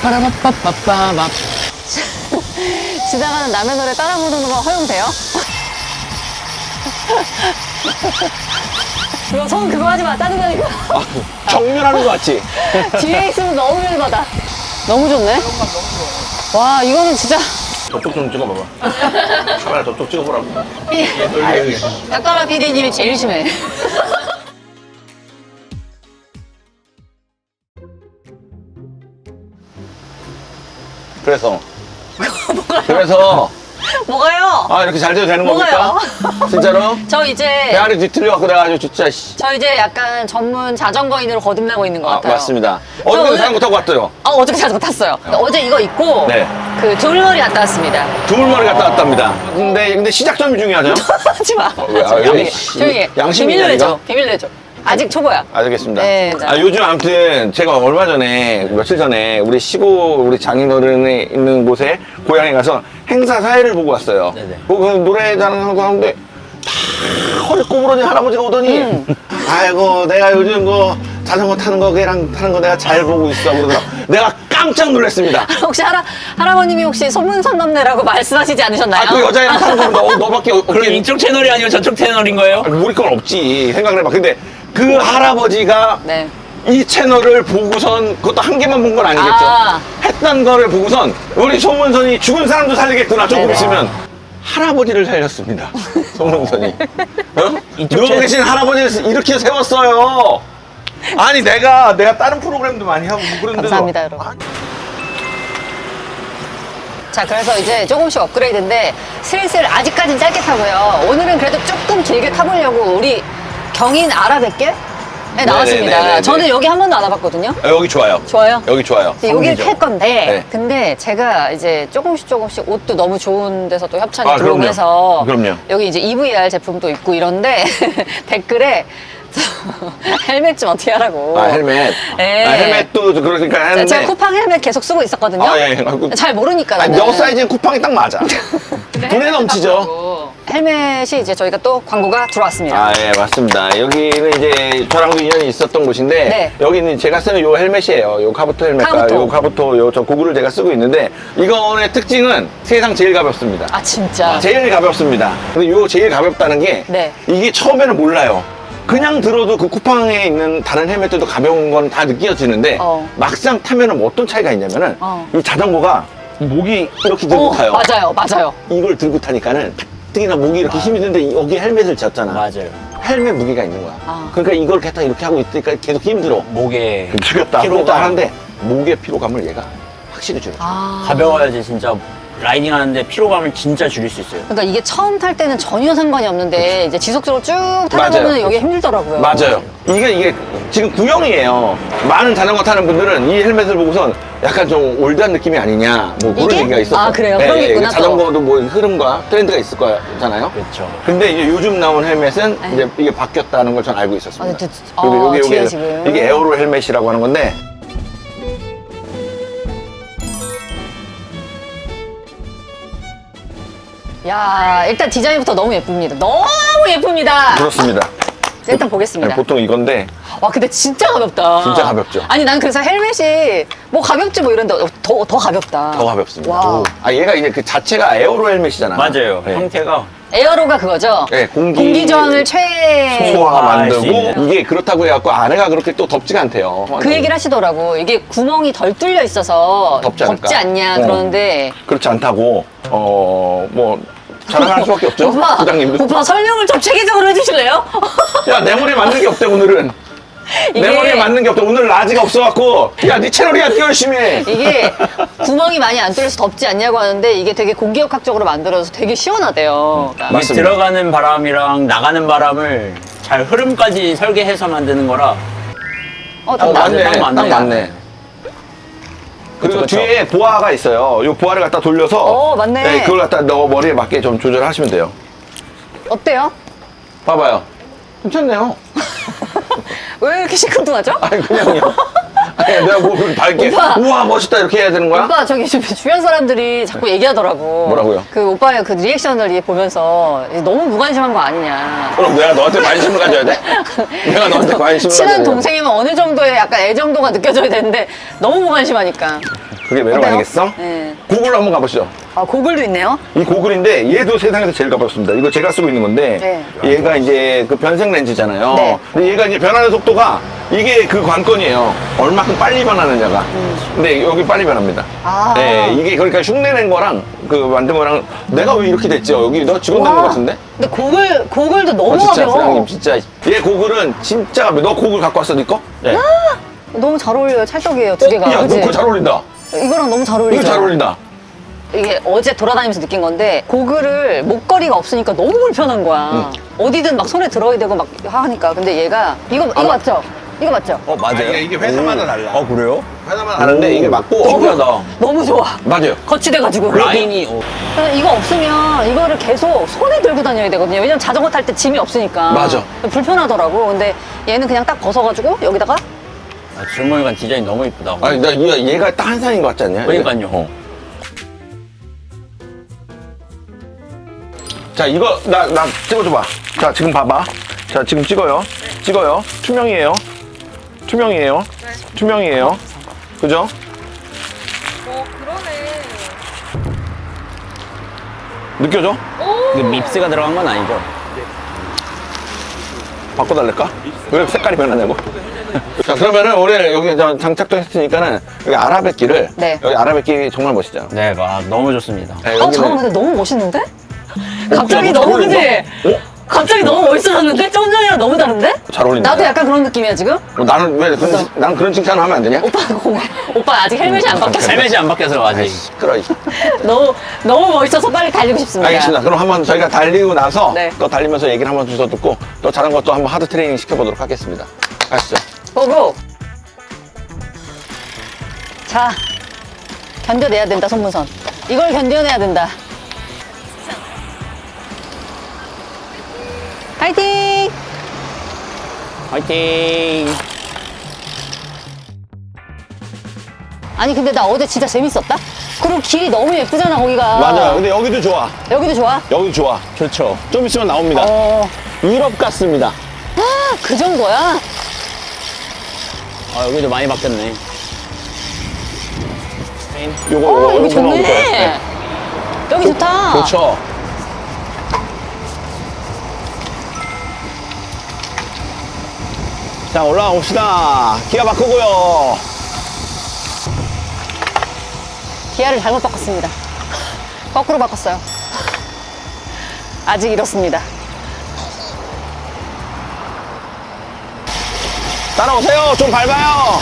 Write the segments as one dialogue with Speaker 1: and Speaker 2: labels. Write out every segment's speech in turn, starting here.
Speaker 1: 빠라바빠빠빠밥.
Speaker 2: 지나가는 남의 노래 따라 부르는 거 허용돼요? 그거 손 그거 하지 마. 짜증나니까.
Speaker 1: 정렬하는 거 같지?
Speaker 2: 뒤에 있으면 너무 열받아. 너무 좋네. 와, 이거는 진짜.
Speaker 1: 저쪽 좀 찍어봐봐. 카메라 저쪽 찍어보라고.
Speaker 2: 약가라 PD님이 제일 심해.
Speaker 1: 그래서
Speaker 2: 뭐가요?
Speaker 1: 아 이렇게 잘 돼도 되는
Speaker 2: 뭐가요?
Speaker 1: 겁니까? 진짜로?
Speaker 2: 저 이제
Speaker 1: 배알이 뒤틀려갖고 내가 아주 진짜
Speaker 2: 저 이제 약간 전문 자전거인으로 거듭나고 있는 것 같아요.
Speaker 1: 맞습니다. 어저께
Speaker 2: 오늘-
Speaker 1: 자전거 타고 왔어요.
Speaker 2: 어저께 자전거 탔어요. 어제 이거 입고
Speaker 1: 네.
Speaker 2: 그 돌머리 갔다 왔습니다.
Speaker 1: 두물머리 갔다 왔답니다. 근데 시작점이 중요하죠?
Speaker 2: 하지 마.
Speaker 1: 왜? 아,
Speaker 2: 조용히
Speaker 1: 여기
Speaker 2: 해. 조용히 해.
Speaker 1: 양심이
Speaker 2: 비밀로
Speaker 1: 있냐,
Speaker 2: 내줘.
Speaker 1: 이거?
Speaker 2: 비밀로 내줘. 아직 초보야.
Speaker 1: 알겠습니다.
Speaker 2: 네, 네.
Speaker 1: 요즘 아무튼 제가 얼마 전에 며칠 전에 우리 시골 우리 장인어른이 있는 곳에 고향에 가서 행사 사회를 보고 왔어요.
Speaker 3: 네네.
Speaker 1: 보고 노래 자랑하고 하는데 다 허리 꼬부러진 할아버지가 오더니 아이고 내가 요즘 그 자전거 타는 거 걔랑 타는 거 내가 잘 보고 있어 그러더라. 내가 깜짝 놀랐습니다.
Speaker 2: 혹시 할아버님이 혹시 소문선남매라고 말씀하시지 않으셨나요?
Speaker 1: 아 그 여자애랑 타는 거 너밖에
Speaker 3: 그럼 이쪽 채널이 아니고 저쪽 채널인 거예요?
Speaker 1: 우리 건 없지 생각을 해봐. 근데 그 할아버지가
Speaker 2: 네.
Speaker 1: 이 채널을 보고선 그것도 한 개만 본 건 아니겠죠.
Speaker 2: 아.
Speaker 1: 했던 거를 보고선 우리 송문선이 죽은 사람도 살리겠구나 조금
Speaker 2: 네네.
Speaker 1: 있으면 할아버지를 살렸습니다. 송문선이. 어?
Speaker 3: 이쪽
Speaker 1: 누워
Speaker 3: 채-
Speaker 1: 계신 할아버지를 이렇게 세웠어요. 아니 내가 다른 프로그램도 많이 하고 뭐 그런데도
Speaker 2: 감사합니다, 여러분. 자, 그래서 이제 조금씩 업그레이드인데 슬슬 아직까지는 짧게 타고요. 오늘은 그래도 조금 길게 타보려고 우리 경인 아라뱃길? 네, 나왔습니다.
Speaker 1: 네네네네.
Speaker 2: 저는 여기 한 번도 안 와봤거든요.
Speaker 1: 여기 좋아요.
Speaker 2: 좋아요?
Speaker 1: 여기 좋아요.
Speaker 2: 이제 여기를 탈 건데,
Speaker 1: 네.
Speaker 2: 근데 제가 이제 조금씩 옷도 너무 좋은 데서 또 협찬이
Speaker 1: 아,
Speaker 2: 들어오고
Speaker 1: 그럼요.
Speaker 2: 해서
Speaker 1: 그럼요.
Speaker 2: 여기 이제 EVR 제품도 있고 이런데 댓글에 헬멧 좀 어떻게 하라고.
Speaker 1: 아 헬멧.
Speaker 2: 네.
Speaker 1: 아, 헬멧도 그러니까 하는데.
Speaker 2: 제가 쿠팡 헬멧 계속 쓰고 있었거든요.
Speaker 1: 아, 예. 아이고.
Speaker 2: 잘 모르니까.
Speaker 1: 아니,
Speaker 2: 나는.
Speaker 1: 너 사이즈는 쿠팡이 딱 맞아. 분에 넘치죠.
Speaker 2: 헬멧이 이제 저희가 또 광고가 들어왔습니다.
Speaker 1: 아, 예, 맞습니다. 여기는 이제 저랑도 인연이 있었던 곳인데,
Speaker 2: 네.
Speaker 1: 여기는 제가 쓰는 요 헬멧이에요. 요 카부토 헬멧과
Speaker 2: 카부토.
Speaker 1: 요 카부토 요 저 고글을 제가 쓰고 있는데, 이거의 특징은 세상 제일 가볍습니다.
Speaker 2: 아, 진짜.
Speaker 1: 제일 가볍습니다. 근데 요 제일 가볍다는 게,
Speaker 2: 네.
Speaker 1: 이게 처음에는 몰라요. 그냥 들어도 그 쿠팡에 있는 다른 헬멧들도 가벼운 건 다 느껴지는데, 막상 타면은 뭐 어떤 차이가 있냐면은, 이 자전거가 목이 이렇게 들고 타요.
Speaker 2: 맞아요.
Speaker 1: 이걸 들고 타니까는 특히나 목이 이렇게 힘이 드는데 여기 헬멧을 졌잖아.
Speaker 3: 맞아요.
Speaker 1: 헬멧 무게가 있는 거야.
Speaker 2: 아.
Speaker 1: 그러니까 이걸 갖다 이렇게 하고 있으니까 계속 힘들어.
Speaker 3: 목에
Speaker 1: 죽였다.
Speaker 3: 피로가
Speaker 1: 피로가 하는데 목의 피로감을 얘가 확실히 줄여.
Speaker 2: 아.
Speaker 3: 가벼워야지 진짜 라이딩 하는데 피로감을 진짜 줄일 수 있어요.
Speaker 2: 그러니까 이게 처음 탈 때는 전혀 상관이 없는데 이제 지속적으로 쭉 타다
Speaker 1: 맞아요.
Speaker 2: 보면 여기 힘들더라고요.
Speaker 1: 맞아요. 이게 지금 구형이에요. 많은 자전거 타는 분들은 이 헬멧을 보고선 약간 좀 올드한 느낌이 아니냐 뭐 그런
Speaker 2: 이게?
Speaker 1: 얘기가 있었어요.
Speaker 2: 아, 그래요? 그런 게 있구나, 또.
Speaker 1: 자전거도 뭐 흐름과 트렌드가 있을 거잖아요.
Speaker 3: 그렇죠.
Speaker 1: 근데 이제 요즘 나온 헬멧은
Speaker 2: 네.
Speaker 1: 이제 이게 바뀌었다는 걸 전 알고 있었습니다.
Speaker 2: 아, 근데
Speaker 1: 그리고
Speaker 2: 뒤에 지금.
Speaker 1: 이게 에어로 헬멧이라고 하는 건데
Speaker 2: 야, 일단 디자인부터 너무 예쁩니다. 너무 예쁩니다.
Speaker 1: 그렇습니다.
Speaker 2: 일단 보겠습니다.
Speaker 1: 보통 이건데
Speaker 2: 와, 근데 진짜 가볍다.
Speaker 1: 진짜 가볍죠.
Speaker 2: 아니, 난 그래서 헬멧이 뭐 가볍지 뭐 이런데 더 가볍다.
Speaker 1: 더 가볍습니다.
Speaker 2: 와.
Speaker 1: 아 얘가 이제 그 자체가 에어로 헬멧이잖아.
Speaker 3: 맞아요.
Speaker 1: 네.
Speaker 3: 형태가
Speaker 2: 에어로가 그거죠?
Speaker 1: 네, 공기
Speaker 2: 저항을 최.
Speaker 1: 소화
Speaker 3: 소화할 수
Speaker 1: 만들고
Speaker 3: 있는.
Speaker 1: 이게 그렇다고 해갖고 안에가 그렇게 또 덥지가 않대요.
Speaker 2: 그 얘기를 하시더라고. 이게 구멍이 덜 뚫려 있어서
Speaker 1: 덥지 않을까?
Speaker 2: 않냐
Speaker 1: 어.
Speaker 2: 그러는데.
Speaker 1: 그렇지 않다고 뭐 자랑할 수밖에 없죠.
Speaker 2: 오빠,
Speaker 1: 부장님도.
Speaker 2: 오빠 설명을 좀 체계적으로 해주실래요?
Speaker 1: 야 내 머리에 맞는 게 없대 오늘은. 내
Speaker 2: 이게-
Speaker 1: 머리에 맞는 게 없대. 오늘 라지가 없어갖고 야 네 채널이야 뛰어 열심히 해.
Speaker 2: 이게 구멍이 많이 안 뚫려서 덥지 않냐고 하는데 이게 되게 공기역학적으로 만들어서 되게 시원하대요. 그러니까.
Speaker 3: 이게
Speaker 1: 맞습니다.
Speaker 3: 들어가는 바람이랑 나가는 바람을 잘 흐름까지 설계해서 만드는 거라
Speaker 2: 딱
Speaker 1: 맞네.
Speaker 3: 딱 맞네.
Speaker 1: 딱 맞네. 그리고
Speaker 3: 그쵸, 그쵸.
Speaker 1: 뒤에 보아가 있어요. 이 보아를 갖다 돌려서
Speaker 2: 맞네.
Speaker 1: 그걸 갖다 너 머리에 맞게 좀 조절하시면 돼요.
Speaker 2: 어때요?
Speaker 1: 봐봐요. 괜찮네요.
Speaker 2: 왜 이렇게 시큰둥하죠?
Speaker 1: 아니 그냥요. 아니 내가 뭐 그렇게 밝게
Speaker 2: 오빠.
Speaker 1: 우와 멋있다 이렇게 해야 되는 거야?
Speaker 2: 오빠 저기 주변 사람들이 자꾸 얘기하더라고.
Speaker 1: 뭐라고요?
Speaker 2: 그 오빠의 그 리액션을 보면서 너무 무관심한 거 아니냐.
Speaker 1: 그럼 내가 너한테 관심을 가져야 돼? 내가 너한테 관심을 가져야
Speaker 2: 친한
Speaker 1: 돼?
Speaker 2: 동생이면 어느 정도의 약간 애정도가 느껴져야 되는데 너무 무관심하니까.
Speaker 1: 그게 매력
Speaker 2: 어때요?
Speaker 1: 아니겠어?
Speaker 2: 네.
Speaker 1: 고글로 한번 가보시죠.
Speaker 2: 아, 고글도 있네요.
Speaker 1: 이 고글인데 얘도 세상에서 제일 가볍습니다. 이거 제가 쓰고 있는 건데 얘가 이제 그 변색 렌즈잖아요.
Speaker 2: 네.
Speaker 1: 근데 얘가 이제 변하는 속도가 이게 그 관건이에요. 얼마큼 빨리 변하느냐가. 근데 여기 빨리 변합니다.
Speaker 2: 아.
Speaker 1: 네, 이게 그러니까 흉내낸 거랑 그 만든 거랑 내가 왜 이렇게 됐죠? 여기 너 직원 된것 같은데?
Speaker 2: 근데 고글도 너무
Speaker 1: 진짜
Speaker 2: 가벼워.
Speaker 1: 사장님 진짜 얘 고글은 진짜 가벼워. 너 고글 갖고 왔어 네 거?
Speaker 3: 네.
Speaker 2: 너무 잘 어울려요. 찰떡이에요, 두 개가.
Speaker 1: 야, 너
Speaker 2: 그치?
Speaker 1: 그거 잘 어울린다.
Speaker 2: 이거랑 너무 잘
Speaker 1: 이거
Speaker 2: 어울리죠.
Speaker 1: 잘 어울린다.
Speaker 2: 이게 어제 돌아다니면서 느낀 건데 고글을 목걸이가 없으니까 너무 불편한 거야. 어디든 막 손에 들어야 되고 막 하니까. 근데 얘가 이거 맞죠? 이거 맞죠?
Speaker 3: 맞아요.
Speaker 1: 이게 회사마다 달라.
Speaker 3: 그래요?
Speaker 1: 회사마다 다른데 이게 맞고
Speaker 3: 신기하다.
Speaker 2: 너무 좋아.
Speaker 1: 맞아요.
Speaker 2: 거치돼가지고.
Speaker 3: 라인이
Speaker 2: 그래서 이거 없으면 이거를 계속 손에 들고 다녀야 되거든요. 왜냐면 자전거 탈 때 짐이 없으니까.
Speaker 1: 맞아.
Speaker 2: 불편하더라고. 근데 얘는 그냥 딱 벗어가지고 여기다가
Speaker 3: 줄무늬관 디자인 너무 이쁘다.
Speaker 1: 아니 나 얘가 딱 한상인 것 같지 않냐?
Speaker 3: 그러니까요.
Speaker 1: 자 이거 나 찍어줘봐. 자 지금 봐봐. 자 지금 찍어요. 찍어요. 투명이에요. 투명이에요. 투명이에요. 그죠?
Speaker 4: 그러네.
Speaker 1: 느껴져?
Speaker 3: 이게 밉스가 들어간 건 아니죠?
Speaker 1: 바꿔달랄까? 왜 색깔이 변하냐고? 자 그러면은 우리 여기 장착도 했으니까는 여기 아라뱃길을
Speaker 2: 네.
Speaker 1: 여기 아라뱃길이 정말 멋있잖아.
Speaker 3: 네, 너무 좋습니다.
Speaker 1: 네,
Speaker 2: 잠깐만, 근데 너무 멋있는데? 갑자기
Speaker 1: 잘
Speaker 2: 너무
Speaker 1: 어울린다.
Speaker 2: 그지? 갑자기 너무 멋있어졌는데? 좀 전이랑 너무 다른데?
Speaker 1: 잘 어울린다.
Speaker 2: 나도 약간 그런 느낌이야, 지금?
Speaker 1: 나는 왜 나는 그런 칭찬을 하면 안 되냐?
Speaker 2: 오빠 아직 헬멧이 안 바뀌었어.
Speaker 3: 헬멧이 안 바뀌어서 아직.
Speaker 1: 시끄러.
Speaker 2: 너무 멋있어서 빨리 달리고 싶습니다.
Speaker 1: 알겠습니다. 그럼 한번 저희가 달리고 나서
Speaker 2: 네.
Speaker 1: 또 달리면서 얘기를 한번 더 듣고 또 자전거 또 한번 하드 트레이닝 시켜보도록 하겠습니다. 아시죠?
Speaker 2: 고고! 자, 견뎌내야 된다, 손문선. 이걸 견뎌내야 된다. 파이팅!
Speaker 3: 화이팅!
Speaker 2: 아니, 근데 나 어제 진짜 재밌었다? 그리고 길이 너무 예쁘잖아, 거기가.
Speaker 1: 맞아요. 근데 여기도 좋아.
Speaker 2: 여기도 좋아?
Speaker 1: 여기도 좋아.
Speaker 3: 좋죠.
Speaker 1: 좀 있으면 나옵니다. 유럽 같습니다.
Speaker 2: 아, 그 정도야?
Speaker 3: 여기도 많이 바뀌었네.
Speaker 1: 요거
Speaker 2: 여기
Speaker 1: 요거 나올 거예요.
Speaker 2: 좋네.
Speaker 1: 네.
Speaker 2: 여기 좋다.
Speaker 1: 그렇죠. 자, 올라가 봅시다. 기아 바꾸고요.
Speaker 2: 기아를 잘못 바꿨습니다. 거꾸로 바꿨어요. 아직 이렇습니다.
Speaker 1: 따라오세요. 좀 밟아요.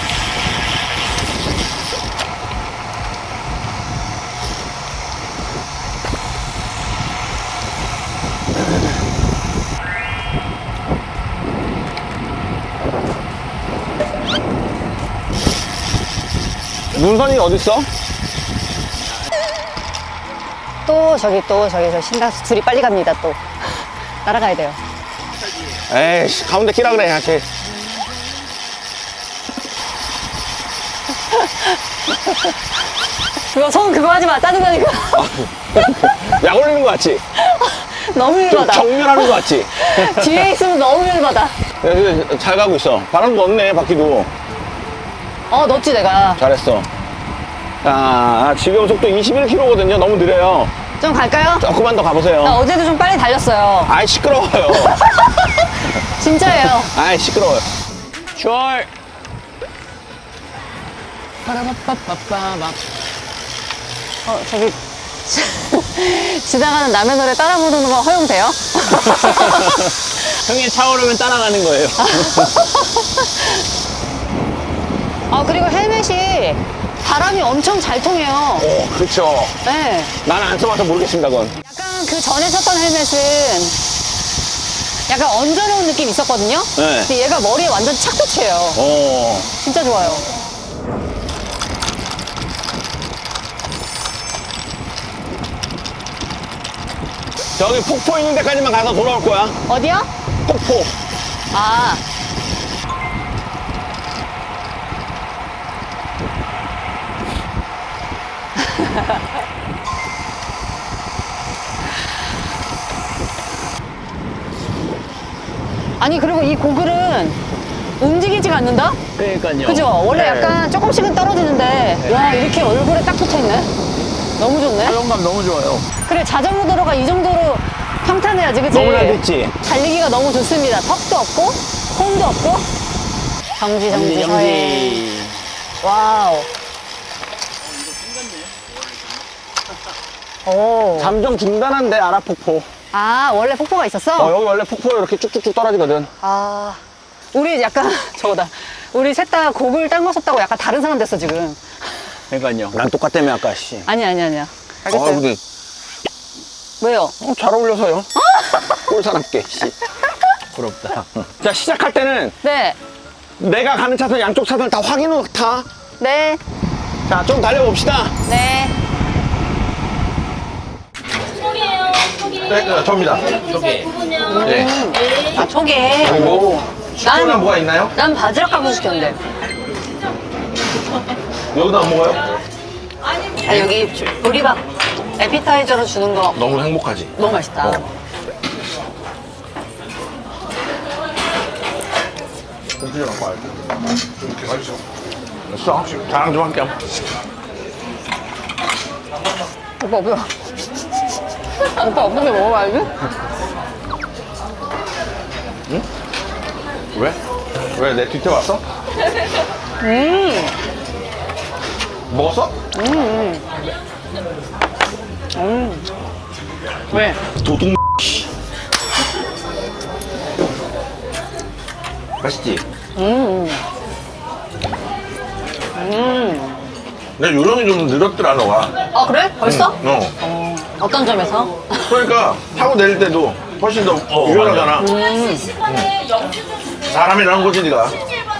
Speaker 1: 문선이 어딨어?
Speaker 2: 또 저기 저 신다수 둘이 빨리 갑니다, 또. 따라가야 돼요.
Speaker 1: 에이씨, 가운데 끼라 그래, 같이.
Speaker 2: 그거 하지 마. 짜증나니까.
Speaker 1: 약 올리는 거 같지?
Speaker 2: 너무
Speaker 1: 좀
Speaker 2: 열받아.
Speaker 1: 정렬하는 거 같지?
Speaker 2: 뒤에 있으면 너무 열받아.
Speaker 1: 야, 잘 가고 있어. 바람도 없네, 바퀴도.
Speaker 2: 넣었지, 내가.
Speaker 1: 잘했어. 자, 지금 속도 21km거든요. 너무 느려요.
Speaker 2: 좀 갈까요?
Speaker 1: 조금만 더 가보세요.
Speaker 2: 나 어제도 좀 빨리 달렸어요.
Speaker 1: 아이, 시끄러워요.
Speaker 2: 진짜예요.
Speaker 1: 아이, 시끄러워요.
Speaker 3: 슈얼!
Speaker 2: 저기. 지나가는 남의 노래 따라 부르는 거 허용돼요?
Speaker 3: 형이 차오르면 따라가는 거예요.
Speaker 2: 그리고 헬멧이 바람이 엄청 잘 통해요.
Speaker 1: 그렇죠.
Speaker 2: 네.
Speaker 1: 나는 안 써봐서 모르겠습니다, 그건.
Speaker 2: 약간 그 전에 썼던 헬멧은 약간 얹어놓은 느낌이 있었거든요?
Speaker 1: 네.
Speaker 2: 근데 얘가 머리에 완전 착붙이에요. 진짜 좋아요.
Speaker 1: 저기 폭포 있는 데까지만 가서 돌아올 거야.
Speaker 2: 어디요?
Speaker 1: 폭포.
Speaker 2: 아. 아니, 그리고 이 고글은 움직이지가 않는다?
Speaker 3: 그러니까요.
Speaker 2: 그죠? 원래
Speaker 3: 네.
Speaker 2: 약간 조금씩은 떨어지는데 와 이렇게 얼굴에 딱 붙어있네. 너무 좋네.
Speaker 3: 사용감 너무 좋아요.
Speaker 2: 그래 자전거 도로가 이 정도로 평탄해야지 그치?
Speaker 1: 너무 잘 됐지?
Speaker 2: 달리기가 너무 좋습니다. 턱도 없고 홈도 없고 정지
Speaker 3: 정지,
Speaker 2: 서해.
Speaker 3: 정지.
Speaker 2: 와우. 오.
Speaker 1: 잠정 중단한데 아라폭포.
Speaker 2: 아 원래 폭포가 있었어?
Speaker 1: 여기 원래 폭포 이렇게 쭉쭉쭉 떨어지거든.
Speaker 2: 아 우리 약간 저거다. 우리 셋 다 곡을 딴 거 썼다고 약간 다른 사람 됐어 지금.
Speaker 3: 그러니까요.
Speaker 1: 난 똑같다며 아까 씨.
Speaker 2: 아니야. 알겠어요.
Speaker 1: 근데
Speaker 2: 왜요?
Speaker 1: 잘 어울려서요. 꼴사납게 씨.
Speaker 3: 부럽다.
Speaker 1: 자 시작할 때는
Speaker 2: 네.
Speaker 1: 내가 가는 차선 양쪽 차선을 다 확인으로 타.
Speaker 2: 네.
Speaker 1: 자 좀 달려봅시다.
Speaker 2: 네.
Speaker 1: 네, 접니다.
Speaker 3: 저기.
Speaker 1: 네.
Speaker 2: 아 초계.
Speaker 1: 그리고 슈퍼는 뭐가 있나요?
Speaker 2: 난 바지락 가고 시켰는데.
Speaker 1: 여기도 안 먹어요?
Speaker 2: 아 여기 보리밥 에피타이저로 주는 거
Speaker 1: 너무 행복하지.
Speaker 2: 너무 맛있다.
Speaker 1: 공주를 갖고 와야 돼. 이렇게 맛있어. 됐어. 자랑 좀 할게요.
Speaker 2: 오빠 뭐야? 오빠 어떻게 먹어봐야지?
Speaker 1: 왜? 왜 내 뒤태 왔어? 먹었어?
Speaker 2: 왜?
Speaker 1: 도둑 맛있지? 내 요령이 좀 늘었더라 너가.
Speaker 2: 아 그래? 벌써? 어떤 점에서?
Speaker 1: 그러니까 타고 내릴 때도 훨씬 더 유연하잖아. 사람이라는 거지 네가.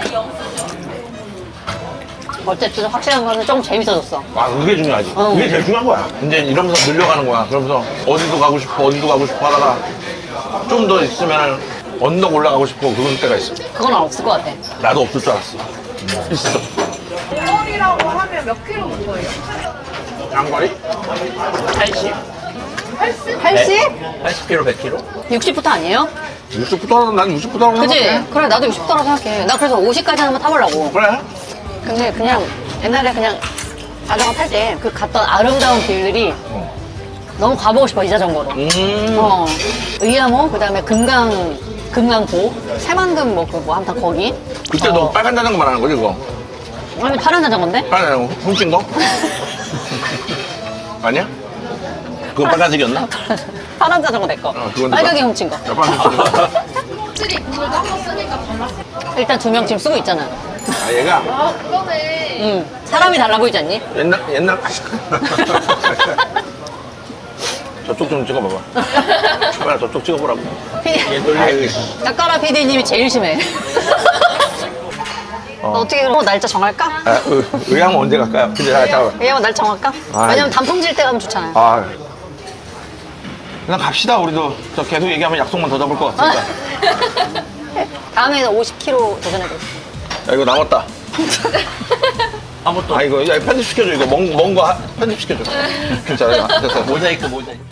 Speaker 2: 어쨌든 확실한 거는 조금 재밌어졌어.
Speaker 1: 아 그게 중요하지. 그게 제일 중요한 거야. 이제 이러면서 늘려가는 거야. 그러면서 어디도 가고 싶어 하다가 좀 더 있으면 언덕 올라가고 싶어 그런 때가 있어.
Speaker 2: 그건 없을 것 같아.
Speaker 1: 나도 없을 줄 알았어. 있어.
Speaker 4: 거리라고 하면 몇 킬로부터예요?
Speaker 1: 장거리?
Speaker 3: 80?
Speaker 2: 80?
Speaker 3: 80kg, 100kg?
Speaker 2: 60부터 아니에요?
Speaker 1: 60부터 난 60부터 하고
Speaker 2: 그지?
Speaker 1: 생각해.
Speaker 2: 그래 나도 60부터라고 생각해. 나 그래서 50까지 한번 타보려고.
Speaker 1: 그래.
Speaker 2: 근데 그냥 옛날에 그냥 자전거 탈 때 그 갔던 아름다운 길들이 너무 가보고 싶어 이 자전거로. 의암호 그다음에 금강고 새만금 뭐 아무튼 거기.
Speaker 1: 그때 너 빨간 자전거 말하는 거지 그거?
Speaker 2: 아니 파란 자전거인데?
Speaker 1: 빨간 자전거 훔친 거? 아니야? 그건 빨간색이었나?
Speaker 2: 파란 자전거 내 거.
Speaker 1: 그건
Speaker 2: 빨갛게
Speaker 1: 누가?
Speaker 2: 훔친 거.
Speaker 1: 야, 빨간 훔친 거.
Speaker 4: 확실히 그걸 한번 쓰니까 달랐어.
Speaker 2: 일단 2명 지금 쓰고 있잖아.
Speaker 1: 아 얘가
Speaker 4: 아, 그러네.
Speaker 2: 응. 사람이 달라 보이지 않니?
Speaker 1: 옛날 저쪽 좀 찍어봐봐. 빨리 저쪽 찍어보라고. 얘 놀래.
Speaker 2: 짝가라 PD님이 제일 심해. 어떻게 그럼 날짜 정할까?
Speaker 1: 아, 의향은 언제 갈까요? 근데 잠깐만.
Speaker 2: 왜냐면 날 정할까?
Speaker 1: 아이.
Speaker 2: 왜냐면 단풍질 때 가면 좋잖아요.
Speaker 1: 아, 그냥 갑시다. 우리도 저 계속 얘기하면 약속만 더 잡을 것 같으니까.
Speaker 2: 다음에는 50kg 도전해볼게.
Speaker 1: 야 이거 남았다.
Speaker 3: 아무것도
Speaker 1: 아 이거 야, 편집시켜줘. 이거 먼 거 편집시켜줘. 진짜 됐어.
Speaker 3: 모자이크.